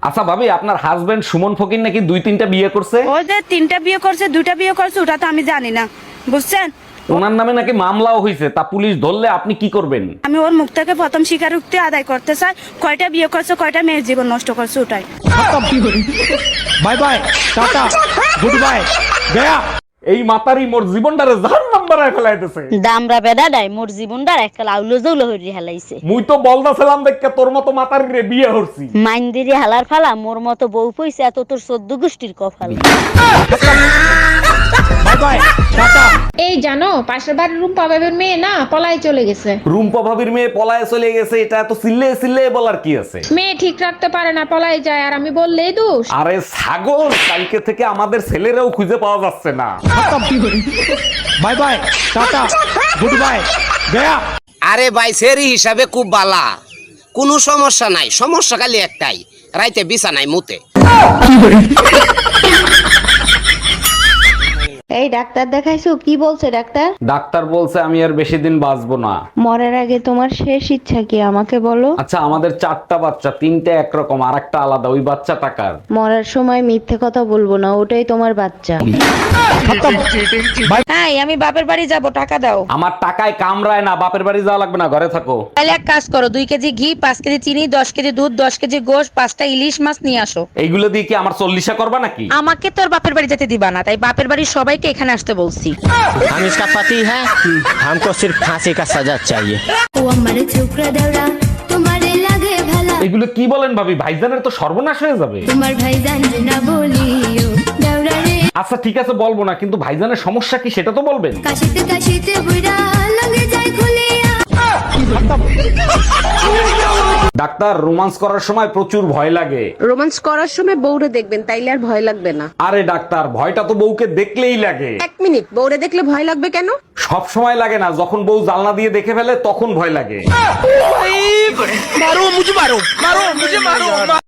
আচ্ছা ভাবি, আপনার হাজবেন্ড সুমন ফকির নাকি 2-3টা বিয়ে করছে? ও যে 3টা বিয়ে করছে 2টা বিয়ে করছে ওটা তো আমি জানি না, বুঝছেন? ওনার নামে নাকি মামলাও হয়েছে, তা পুলিশ ধরলে আপনি কি করবেন? আমি ওর মুখ থেকে প্রথম স্বীকারোক্তি আদায় করতে চাই, কয়টা বিয়ে করছে, কয়টা মেয়ের জীবন নষ্ট করছে ওটাই। Bye bye, tata, goodbye, গয়া। এই মাতারি মোর জীবনটারে জাহান্নাম বানায় ফেলাইতেছে। দামরা বেডাডাই মোর জীবনটার একটা আউলো জৌলো হইরি হেলাইছে। মুই তো বলদাছিলাম দেখে তোর মতো মাতারিরে বিয়ে হরছি। মাইন্দিরি হালার ফালা মোর মতো বউ পয়সা এত তোর 14 গোষ্ঠীর কপাল। Bye bye, tata. এই জানো পাশের বাড়ির রুম্পা বাবের মেয়ে না পলাই চলে গেছে। রুম্পা ভাবির মেয়ে পলায়ে চলে গেছে, এটা এত চিল্লে চিল্লে বলার কি আছে? মেয়ে ঠিক রাখতে পারে না পলাই যায় আর আমি বললেই দোষ। আরে ছাগল, কালকে থেকে আমাদের ছেলেরাও খুঁজে পাওয়া যাচ্ছে না। Bye bye, tata, goodbye, গয়া। আরে ভাই সেরি হিসাবে খুব বালা, কোনো সমস্যা নাই, সমস্যা খালি একটাই, রাইতে বিছানায় মুতে। এই ডাক্তার দেখাইছো? কি বলছে ডাক্তার? ডাক্তার বলছে আমি আর বেশি দিন বাঁচবো না। মরার আগে তোমার শেষ ইচ্ছা কি আমাকে বলো? আচ্ছা, আমাদের 4টা বাচ্চা, 3টে একরকম আর একটা আলাদা, ওই বাচ্চা টাকার। মরার সময় মিথ্যে কথা বলবো না, ওটাই তোমার বাচ্চা। হ্যাঁ, আমি বাপের বাড়ি যাব, টাকা দাও। আমার টাকায় কামড়ায় না, বাপের বাড়ি যাওয়া লাগবে না, ঘরে থাকো। তাহলে এক কাজ করো, 2 কেজি ঘি, 5 কেজি চিনি, 10 কেজি দুধ, 10 কেজি গোশ, 5টা ইলিশ মাছ নিয়ে আসো। এইগুলো দিয়ে কি আমার 40 করবা নাকি? আমাকে তোর বাপের বাড়ি যেতে দিবা না, তাই বাপের বাড়ির সবাইকে এখানে আসতে বলছি। हम इसका पति है, हमको सिर्फ फांसी का सजा चाहिए। এগুলো কি বলেন ভাবি? ভাইজানের তো সর্বনাশ হয়ে যাবে। আচ্ছা ঠিক আছে, বলবো না, কিন্তু ভাইজানের সমস্যা কি সেটা তো বলবেন। ডাক্তার, রোমান্স করার সময় প্রচুর ভয় লাগে। রোমান্স করার সময় বউরে দেখবেন, তাইলে আর ভয় লাগবে না। আরে ডাক্তার, ভয়টা তো বউকে দেখলেই লাগে। 1 মিনিট, বউরে দেখলে ভয় লাগবে কেন? সব সময় লাগে না, যখন বউ জানলা দিয়ে দেখে ফেলে তখন ভয় লাগে।